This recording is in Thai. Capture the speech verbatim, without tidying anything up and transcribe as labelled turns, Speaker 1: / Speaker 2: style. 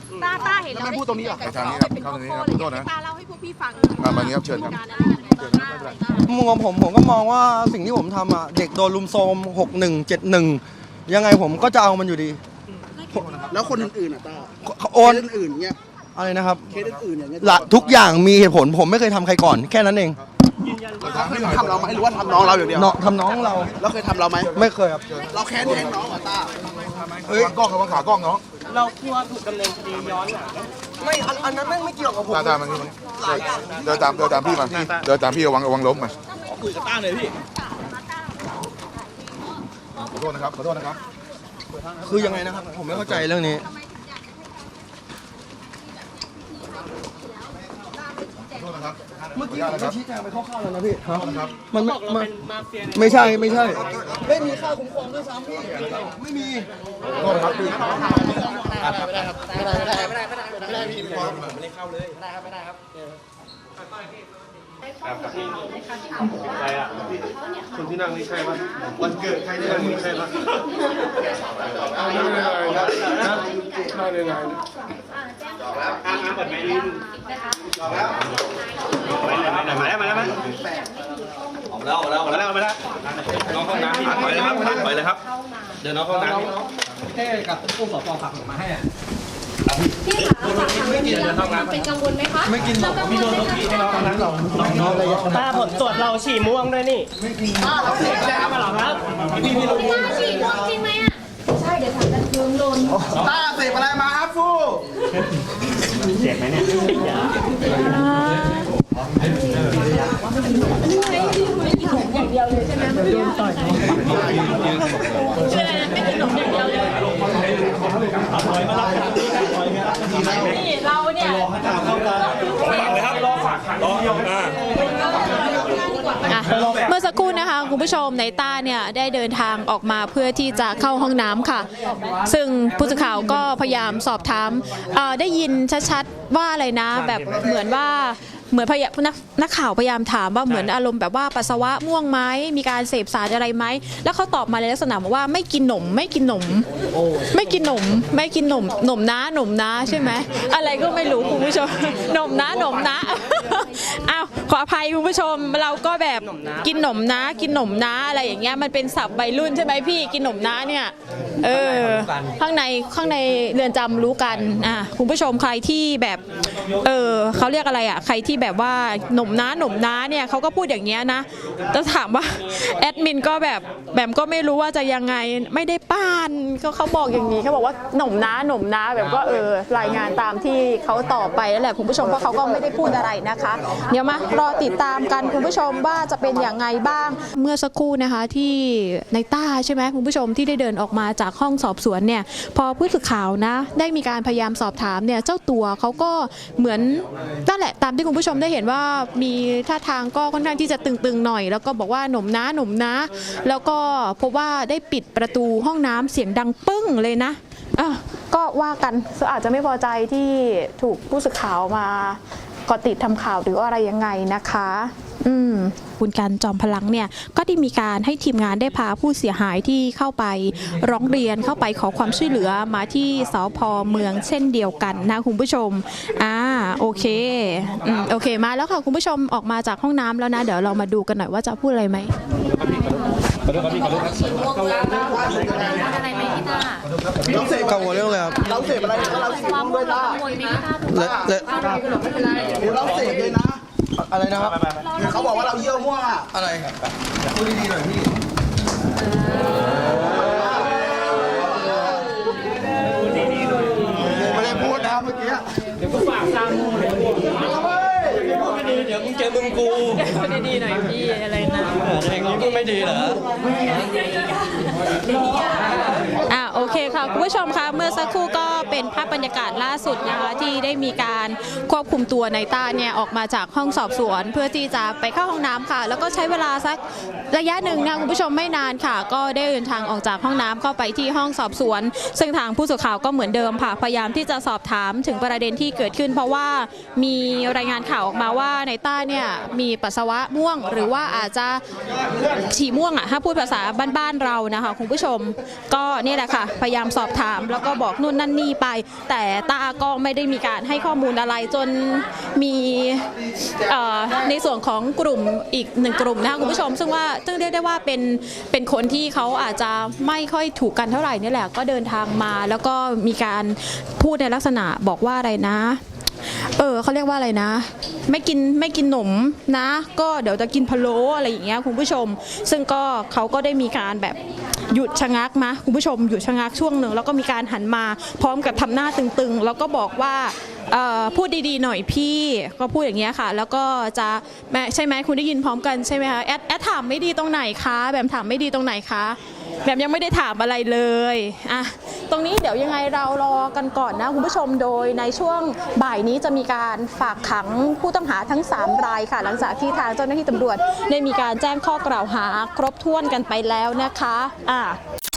Speaker 1: ต้าต้าเห็นแล้ว
Speaker 2: ไม่พูดตรงนี้หรอ
Speaker 1: ทางนี้ครับเข้าตรงนี้ครับขอโทษนะต้าเล่าให้พวกพี่ฟังมามานี้ครับเชิญครับ
Speaker 3: มุมมองผมผมก็มองว่าสิ่งที่ผมทำอ่ะเด็กโดนลุมโทรมหกหนึ่งเจ็ดหนึ่งยังไงผมก็จะเอามันอยู่ดี
Speaker 2: แล้วคนอื่นๆอ่ะต้า
Speaker 3: โอน
Speaker 2: อื่นๆเงี้ย
Speaker 3: อะไรนะครับ
Speaker 2: เคสอื่นๆอย่างเงี้ย
Speaker 3: ละทุกอย่างมีเหตุผลผมไม่เคยทำใครก่อนแค่นั้นเอง
Speaker 2: ทำเราไหมหรือว่าทำน้องเราอย่างเดียว
Speaker 3: ทำน้องเรา
Speaker 2: แล้วเคยทำเราไหม
Speaker 3: ไม่เคยครับ
Speaker 2: เราแค้นแทนน้องเหรอต้า
Speaker 3: เฮ้ย
Speaker 2: กล้องกับขากล้องน้อง
Speaker 4: เรากลัวถูกดำเนินคดีย้อนหลัง
Speaker 3: ไม่อันนั้นไม่เกี่ยวกับผม
Speaker 2: ตามมันเดินตามเดินตามพี่มาเดินตามพี่ระวังระวังล้มมา
Speaker 4: คุยกับต้าเลยพี่
Speaker 2: ขอโทษนะครับขอโทษนะครับ
Speaker 3: คือยังไงนะครับผมไม่เข้าใจเรื่องนี้เมื่อกี้ผมชี้แจงไปคร่าวๆแล้วนะพี่มันไม่ไม่ใช่ไม่ใช่ไม่มีค่าคุ้มครองด้วยซ้ำพี่ไม่มี
Speaker 2: ขอโทษนะครับพี่
Speaker 4: ไม่ได้ครับไม่ได้ไม่ได้ไม่ได้ไม่ได้ไม่ได้พี่ไม่ได้เข้าเลยไม่ได้ครับไม่ได้ครับใครอ่ะคนที่นั่งนี่ใช่ปะวันเกิดใครที่นั่งนี่ใช่ปะไม่ได้อะไรนะไม่ได้อะไรจอกแล้วข้างๆเปิดไมค์ลิ้นจอกแล้วมาแล้วมาแล้วมาแล้วออกแล้วออกแล้วออกแล้วออกแล้วน้องห้องน้ำไปเลยครับไปเลยครับเดินน้องห้องน้ำแค่กับผู้สอบปผักมาให้อ่ะ
Speaker 5: พี่คะฝากถามเรื่องนี้แล้วเป็นกังวลไหมคะ
Speaker 3: ไม่กินหรอก
Speaker 5: พี่โดนพี่ให้น้องนั้นหรอ
Speaker 4: น้องอะไรตาผลตรวจเราฉี่ม่วงด้วยนี่
Speaker 3: ไม่กิน
Speaker 4: เราเสพยามาหรอครับพี่พี่รู้
Speaker 5: ฉี่ม่วงจริงไหมอ่ะใช่เดี๋ยวถามกันเพิ่มโดน
Speaker 2: ต้าเสพอะไรมาครับฟู
Speaker 4: เจ็บไหมเนี่ยยา
Speaker 5: อย่างเดียวเลยใช่ไหมไม่โดนต่อยไม่กินหนมอย่างเดียวเลยนี่เราเนี่ย
Speaker 1: เมื่อสักครู่นะคะคุณผู้ชมในต้าเนี่ยได้เดินทางออกมาเพื่อที่จะเข้าห้องน้ำค่ะซึ่งผู้สื่อข่าวก็พยายามสอบถามได้ยินชัดๆว่าอะไรนะแบบเหมือนว่าเหมือนพยนักนักข่าวพยายามถามว่าเหมือนอารมณ์แบบว่าปัสสาวะม่วงไหมมีการเสพสารอะไรไหมแล้วเขาตอบมาในลักษณะบอกว่าไม่กินหนมไม่กินหนมไม่กินหนมไม่กินหนมหนมนะหนมนะใช่ไหมอะไรก็ไม่รู้คุณผู้ชมหนมนะหนมนะอ้าวขออภัยคุณผู้ชมเราก็แบบกินหนมนะกินหนมนะอะไรอย่างเงี้ยมันเป็นศัพท์วัยรุ่นใช่ไหมพี่กินหนมนะเนี่ยเออข้างในข้างในเรือนจำรู้กันอ่ะคุณผู้ชมใครที่แบบเออเขาเรียกอะไรอ่ะใครที่แบบว่าหนุ่มน้าหนุ่มน้าเนี่ยเขาก็พูดอย่างเงี้ยนะต้องถามว่าแอดมินก็แบบแบบก็ไม่รู้ว่าจะยังไงไม่ได้ป้านก็เขาบอกอย่างนี้เขาบอกว่าหนุ่มน้าหนุ่มน้าแบบก็เออรายงานตามที่เขาตอบไปแล้วแหละคุณผู้ชมเพราะเขาก็ไม่ได้พูดอะไรนะคะเดี๋ยวมารอติดตามกันคุณผู้ชมว่าจะเป็นอย่างไงบ้างเมื่อสักครู่นะคะที่ในต้าใช่ไหมคุณผู้ชมที่ได้เดินออกมาจากห้องสอบสวนเนี่ยพอผู้สื่อข่าวนะได้มีการพยายามสอบถามเนี่ยเจ้าตัวเขาก็เหมือนนั่นแหละตามที่คุณผู้ชมได้เห็นว่ามีท่าทางก็ค่อนข้างที่จะตึงๆหน่อยแล้วก็บอกว่าหนุ่มนะหนุ่มนะแล้วก็พบว่าได้ปิดประตูห้องน้ำเสียงดังปึ้งเลยนะอ่ะก็ว่ากันอาจจะไม่พอใจที่ถูกผู้สื่อข่าวมาเกาะติดทำข่าวหรืออะไรยังไงนะคะอืมคุณการจอมพลังเนี่ยก็ได้มีการให้ทีมงานได้พาผู้เสียหายที่เข้าไปร้องเรียนเข้าไปขอความช่วยเหลือมาที่สภ.เมืองเช่นเดียวกันนะคุณผู้ชมอ่าโอเคอืมโอเคมาแล้วค่ะคุณผู้ชมออกมาจากห้องน้ำแล้วนะเดี๋ยวเรามาดูกันหน่อยว่าจะพูดอะไรไหม
Speaker 5: อะไรไหมพี่ตา
Speaker 3: เราเสพกังวลเรื่องอะไรครับ
Speaker 2: เราเสพอะไรเราเสพด้วยต้า
Speaker 3: และและ
Speaker 2: เราเสพเลยนะ
Speaker 3: อะไรนะครับ
Speaker 2: เขาบอกว่าเราเยี่ยวมั่ว
Speaker 3: อะไรพูดดีๆหน่อยพี่
Speaker 2: ไม่ได้พูดนะเมื่อกี้
Speaker 4: เดี๋ยวก็ฝากตามมึงเดี๋ยวไม่ดีเดี๋ยวมึงเจอมึงกู
Speaker 1: พูดดีๆหน่อยพี่อะไรนะ
Speaker 4: อย่างนี้มึงไม่ดีเหรอ
Speaker 1: อ่าโอเคค่ะคุณผู้ชมคะเมื่อสักครู่ก็เป็นภาพบรรยากาศล่าสุดนะคะที่ได้มีการควบคุมตัวในต้าเนี่ยออกมาจากห้องสอบสวนเพื่อที่จะไปเข้าห้องน้ำค่ะแล้วก็ใช้เวลาสักระยะหนึ่งนะคุณผู้ชมไม่นานค่ะก็ได้เดินทางออกจากห้องน้ำเข้าไปที่ห้องสอบสวนซึ่งทางผู้สื่อข่าวก็เหมือนเดิมค่ะพยายามที่จะสอบถามถึงประเด็นที่เกิดขึ้นเพราะว่ามีรายงานข่าวออกมาว่าในต้าเนี่ยมีปัสสาวะม่วงหรือว่าอาจจะฉี่ม่วงอ่ะถ้าพูดภาษาบ้านๆเรานะคะคุณผู้ชมก็นี่แหละค่ะพยายามสอบถามแล้วก็บอกนู่นนั่นนี่ไป แต่ตาก็ไม่ได้มีการให้ข้อมูลอะไรจนมีในส่วนของกลุ่มอีกหนึ่งกลุ่มนะคะคุณผู้ชมซึ่งว่าซึ่งเรียกได้ว่าเป็นเป็นคนที่เขาอาจจะไม่ค่อยถูกกันเท่าไหร่นี่แหละก็เดินทางมาแล้วก็มีการพูดในลักษณะบอกว่าอะไรนะเออเขาเรียกว่าอะไรนะไม่กินไม่กินหนมนะก็เดี๋ยวจะกินพะโล้อะไรอย่างเงี้ยคุณผู้ชมซึ่งก็เขาก็ได้มีการแบบหยุดชะงักนะคุณผู้ชมหยุดชะงักช่วงหนึ่งแล้วก็มีการหันมาพร้อมกับทำหน้าตึงๆแล้วก็บอกว่าพูดดีๆหน่อยพี่ก็พูดอย่างเงี้ยค่ะแล้วก็จะใช่ไหมคุณได้ยินพร้อมกันใช่ไหมคะแอดแอดถามไม่ดีตรงไหนคะแบบถามไม่ดีตรงไหนคะแบบยังไม่ได้ถามอะไรเลยอ่ะตรงนี้เดี๋ยวยังไงเรารอกันก่อนนะคุณผู้ชมโดยในช่วงบ่ายนี้จะมีการฝากขังผู้ต้องหาทั้งสามรายค่ะหลังจากที่ทางเจ้าหน้าที่ตำรวจได้มีการแจ้งข้อกล่าวหาครบถ้วนกันไปแล้วนะคะอ่ะ